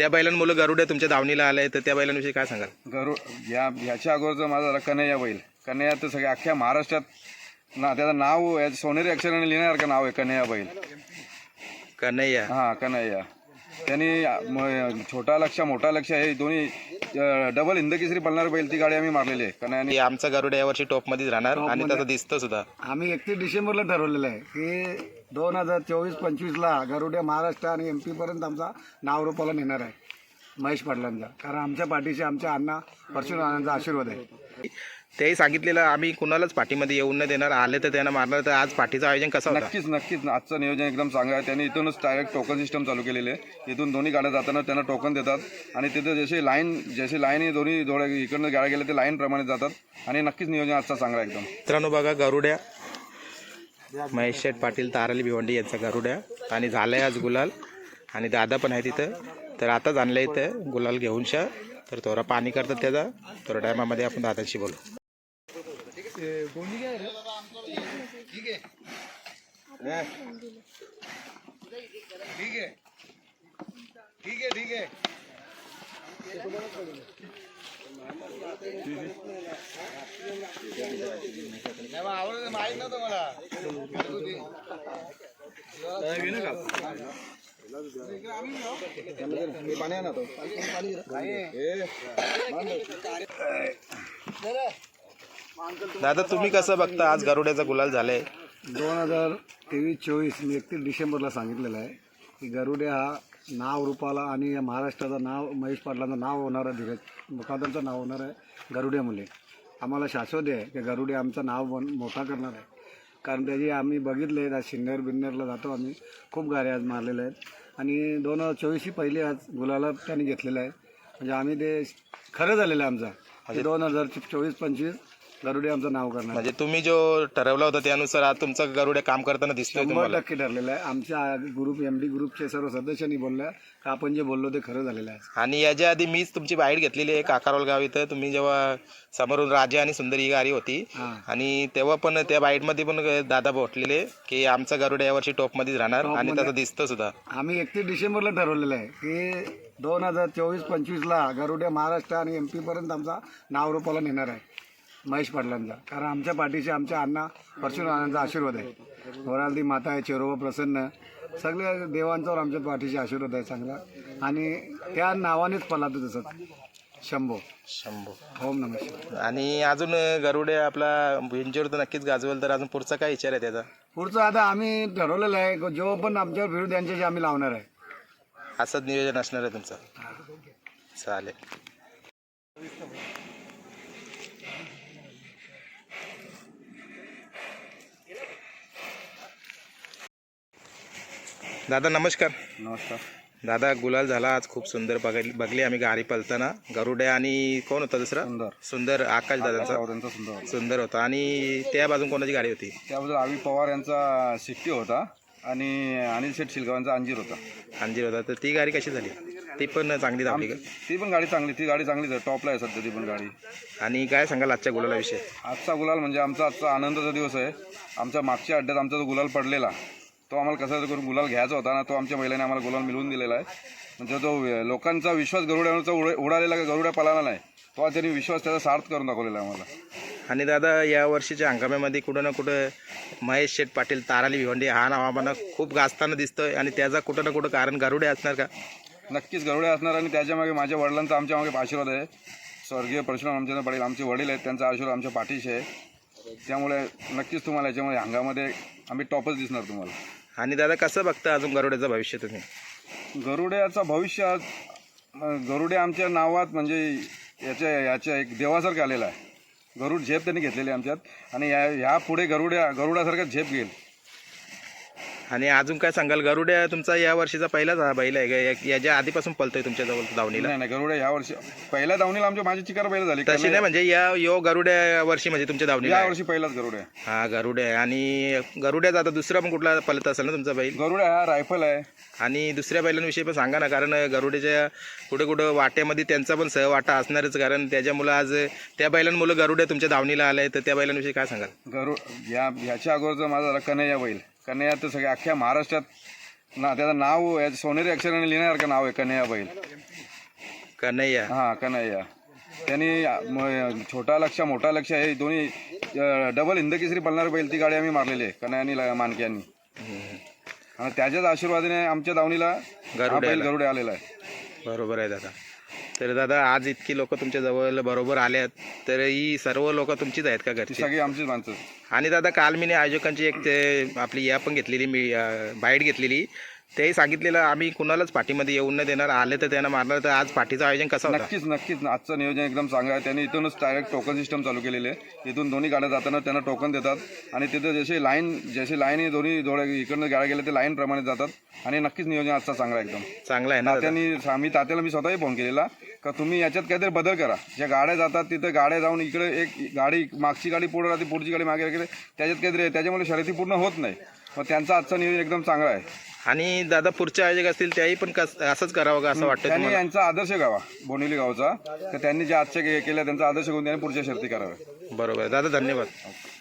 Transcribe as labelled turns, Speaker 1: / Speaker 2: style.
Speaker 1: त्या बैलांमुळे गरुडे तुमच्या दावणीला आले, तर त्या बैलांविषयी काय सांगाल?
Speaker 2: ह्याच्या अगोदरचा माझा कन्हैया बैल. कन्हैया तर सगळ्या अख्ख्या महाराष्ट्रात त्याचं नाव सोनेरी अक्षराने लिहिण्यासारखं नाव आहे कन्हैया बैल.
Speaker 1: कन्हैया.
Speaker 2: हा कन्हैया. त्यांनी छोटा लक्ष मोठा लक्ष हे दोन्ही डबल हिंदकेसरी पळणारी बैल ती गाडी आम्ही मारलेली आहे. कन्हैयाने
Speaker 1: आमचा गरुड यावर्षी टॉप मध्येच राहणार आणि तसं दिसतं सुद्धा.
Speaker 3: आम्ही 31 डिसेंबरला ठरवलेलं आहे की 2024-25ला गरुड्या महाराष्ट्र आणि MP पर्यंत आमचा नाव रूपाला नेणार आहे महेश पाटलांचा. कारण आमच्या पाठीशी आमच्या अण्णा परशुरामांचा आशीर्वाद आहे.
Speaker 1: तेही सांगितलेलं आम्ही कुणालाच पाठीमध्ये येऊन न देणार, आले तर त्यांना मारणार. तर आज पाठीचं आयोजन कसं होतं?
Speaker 2: नक्कीच आजचं नियोजन एकदम चांगलं आहे. त्यांनी इथूनच डायरेक्ट टोकन सिस्टम चालू केलेले आहे. इथून दोन्ही गाड्या जाताना त्यांना टोकन देतात आणि तिथे जशी लाईन दोन्ही जोड्या इकडनं गाड्या गेल्या ते लाईन प्रमाणे जातात आणि नक्कीच नियोजन आजचा चांगला आहे एकदम.
Speaker 1: मित्रांनो बघा, गरुड्या महेश शेठ पाटील ताराली भिवंडी यांचा गरुड्या आणि झालंय आज गुलाल. आणि दादा पण आहे तिथं, तर आताच आणलंय इथं गुलाल घेऊन शा. तर थोडा पाणी करतात त्याचा, थोड्या टायमामध्ये आपण दादाशी बोलू. दादा तुम्ही कसं बघता आज गरुड्याचा गुलाल झालाय?
Speaker 3: 2023-24 मी 31 डिसेंबरला सांगितलेलं आहे की गरुड्या हा नाव रूपाला आणि या महाराष्ट्राचं नाव महेश पाटलांचं नाव होणार आहे, धीरज मुखादरचं नाव होणार आहे गरुड्या मुले. आम्हाला शाश्वत आहे की गरुड्या आमचं नाव मोठा करणार आहे. कारण त्याची आम्ही बघितले आज सिन्नर बिन्नरला जातो आम्ही, खूप गाड्या आज मारलेल्या आहेत आणि 2024 पहिले आज गुलाला त्यांनी घेतलेला आहे. म्हणजे आम्ही ते खरं झालेलं आहे आमचा 2024-25 गरुड्या आमचं नाव करणार.
Speaker 1: म्हणजे तुम्ही जो ठरवला होता त्यानुसार आज तुमचं गरुड्या काम करताना दिसतोय तुम्हाला?
Speaker 3: 100% ठरलेलं आहे. आमच्या ग्रुप MD ग्रुपचे सर्व सदस्यांनी बोलल्या का आपण जे बोललो ते खरं झालेलं आहे.
Speaker 1: आणि याच्या आधी मीच तुमची बाईट घेतलेली आहे काकारवाल गाव इथं. तुम्ही जेव्हा समोरून राजा आणि सुंदर ही गाडी होती आणि तेव्हा पण त्या बाईटमध्ये पण दादा बोटलेले की आमचा गरुड यावर्षी टॉपमध्येच राहणार आणि तसं दिसतं सुद्धा.
Speaker 3: आम्ही 31 डिसेंबरला ठरवलेलं आहे की 2024-25ला गरुड्या महाराष्ट्र आणि MP पर्यंत आमचा नाव रूपाला नेणार आहे महेश पाटलांचा. कारण आमच्या पाठीशी आमच्या अण्णा परशुरामांचा आशीर्वाद आहे. वरालदी माता आहे, चेरोबा प्रसन्न, सगळ्या देवांच्यावर आमच्या पाठीशी आशीर्वाद आहे चांगला. आणि त्या नावानेच पळतो तसंच शंभो. ओम नमः शिवाय.
Speaker 1: आणि अजून गरुडे आपला भिंचीवर तर नक्कीच गाजवेल. तर अजून पुढचा काय विचार आहे त्याचा?
Speaker 3: पुढचं आता आम्ही ठरवलेलं आहे जो पण आमच्यावर फिरू त्यांच्याशी आम्ही लावणार आहे.
Speaker 1: असंच नियोजन असणार आहे तुमचं? चालेल. दादा नमस्कार.
Speaker 2: नमस्कार
Speaker 1: दादा, गुलाल झाला आज, खूप सुंदर बघली आम्ही गाडी पळताना. गरुड्या आणि कोण होता दुसरा? सुंदर आकाश दादांचा सुंदर होता. आणि त्या बाजून कोणाची गाडी होती?
Speaker 2: त्याबद्दल आवी पवार यांचा सिट्टी होता आणि अनिल शेठ शिलगावांचा अंजीर होता.
Speaker 1: तर ती गाडी कशी झाली? ती पण चांगली धावली का?
Speaker 2: ती पण गाडी चांगली, ती गाडी चांगलीच आहे, टॉपला आहे सध्या ती पण गाडी.
Speaker 1: आणि काय सांगाल आजच्या गुलालाविषयी?
Speaker 2: आजचा गुलाल म्हणजे आमचा आनंदाचा दिवस आहे. आमच्या मागच्या अड्ड्यात आमचा जो गुलाल पडलेला तो आम्हाला कसा करून गुलाल घ्यायचा होता ना, तो आमच्या महिलांनी आम्हाला गुलाल मिळवून दिलेला आहे. म्हणजे जो लोकांचा विश्वास गरुड्यावरचा उडालेला का गरुड्या पळाला नाही, तो त्यांनी विश्वास त्याचा सार्थ करून दाखवलेला आहे आम्हाला.
Speaker 1: आणि दादा, या वर्षीच्या हंगामामध्ये कुठं ना कुठं महेश शेठ पाटील ताराली भिवंडी हा नाव आम्हाला खूप गाजताना दिसतोय आणि त्याचा कुठं ना कुठं कारण गरुडे असणार का?
Speaker 2: नक्कीच गरुडे असणार आणि त्याच्यामागे माझ्या वडिलांचा आमच्या मागे आशीर्वाद आहे. स्वर्गीय परशुराम आमच्या पाटील आमचे वडील आहेत, त्यांचा आशीर्वाद आमच्या पाठीशी आहे. त्यामुळे नक्कीच तुम्हाला याच्यामध्ये हंगामध्ये आम्ही टॉपच दिसणार तुम्हाला.
Speaker 1: आणि दादा, कसं बघता अजून गरुड्याचं भविष्य तुम्ही?
Speaker 2: गरुड्याचं भविष्य, गरुडे आमच्या नावात म्हणजे याच्या एक देवासारखं आलेला आहे. गरुड झेप त्यांनी घेतलेली आमच्यात आणि ह्या पुढे गरुडासारखा झेप घेईल.
Speaker 1: आणि अजून काय सांगाल? गरुड्या तुमचा या वर्षीचा पहिलाच हा बैल आहे का? याच्या आधीपासून पळतोय तुमच्या जवळ दावणीला?
Speaker 2: नाही, गरुड्या ह्या वर्षी पहिल्या दावणीला माझी चिकार बैल झाली.
Speaker 1: तशी नाही, म्हणजे यो गरुड्या वर्षी म्हणजे तुमच्या दावणीला
Speaker 2: या वर्षी पहिलाच गरुड्या.
Speaker 1: हा गरुड्या. आणि गरुड्याचा आता दुसरा पण कुठला पळत असेल ना तुमचा बैल?
Speaker 2: गरुड्या हा रायफल आहे.
Speaker 1: आणि दुसऱ्या बैलांविषयी पण सांगा ना, कारण गरुड्याच्या कुठं वाट्यामध्ये त्यांचा पण सहवाटा असणारच. कारण त्याच्यामुळं आज त्या बैलांमुळे गरुड्या तुमच्या दावणीला आलाय, तर त्या बैलांविषयी काय सांगाल?
Speaker 2: ह्याच्या अगोदरचा माझा कन्हैया बैल. कन्हैया तर सगळ्या अख्ख्या महाराष्ट्रात ना त्याचं नाव सोनेरी अक्षराने लिहिण्यासारखं नाव आहे कन्हैया बैल.
Speaker 1: कन्हैया.
Speaker 2: हा कन्हैया. त्यांनी छोटा लक्ष मोठा लक्ष हे दोन्ही डबल हिंदकेसरी पळणारी बैल ती गाडी आम्ही मारलेली आहे कन्हैया आणि मानके यांनी. आणि त्याच्याच आशीर्वादाने आमच्या दावणीला हा बैल गरुडे आलेला आहे.
Speaker 1: बरोबर आहे दादा. तर दादा आज इतकी लोक तुमच्या जवळ बरोबर आल्यात, तर ही सर्व लोक तुमचीच आहेत का
Speaker 2: ती
Speaker 1: घरची?
Speaker 2: सगळी आमचीच माणसं.
Speaker 1: आणि दादा काल मी आयोजकांची एक ते आपली या पण घेतलेली, मी बाईट घेतलेली, तेही सांगितलेलं आम्ही कुणालाच पाठीमध्ये येऊन न देणार, आले तर त्यांना मारणार. तर आज पाठीचं आयोजन कसं होतं?
Speaker 2: नक्कीच आजचं नियोजन एकदम चांगलं आहे. त्यांनी इथूनच डायरेक्ट टोकन सिस्टम चालू केलेले आहे. इथून दोन्ही गाड्या जाताना त्यांना टोकन देतात आणि तिथं जशी लाईन दोन्ही जोड्या इकडनं गाड्या गेल्या ते लाईन प्रमाणे जातात. आणि नक्कीच नियोजन आजचं चांगलं आहे, एकदम
Speaker 1: चांगलं आहे ना दादा?
Speaker 2: तात्याला मी स्वतःही फोन केलेला का तुम्ही याच्यात काहीतरी बदल करा. ज्या गाड्या जातात तिथं गाड्या जाऊन इकडे एक गाडी मागची गाडी पुढे राहते, पुढची गाडी मागे राहते, त्याच्यात काहीतरी त्याच्यामुळे शर्यती पूर्ण होत नाही. मग त्यांचं आजचं नियोजन एकदम चांगलं आहे.
Speaker 1: आणि दादा पुढचे आयोजक असतील त्याही पण असंच करावं का असं वाटतं
Speaker 2: त्यांनी
Speaker 1: तुम्हाला?
Speaker 2: यांचा आदर्श घ्यावा बोनिवली गावचा, तर त्यांनी जे आजच्या केल्या त्यांचा आदर्श घेऊन त्यांनी पुढच्या शर्ती कराव्या.
Speaker 1: बरोबर दादा, धन्यवाद.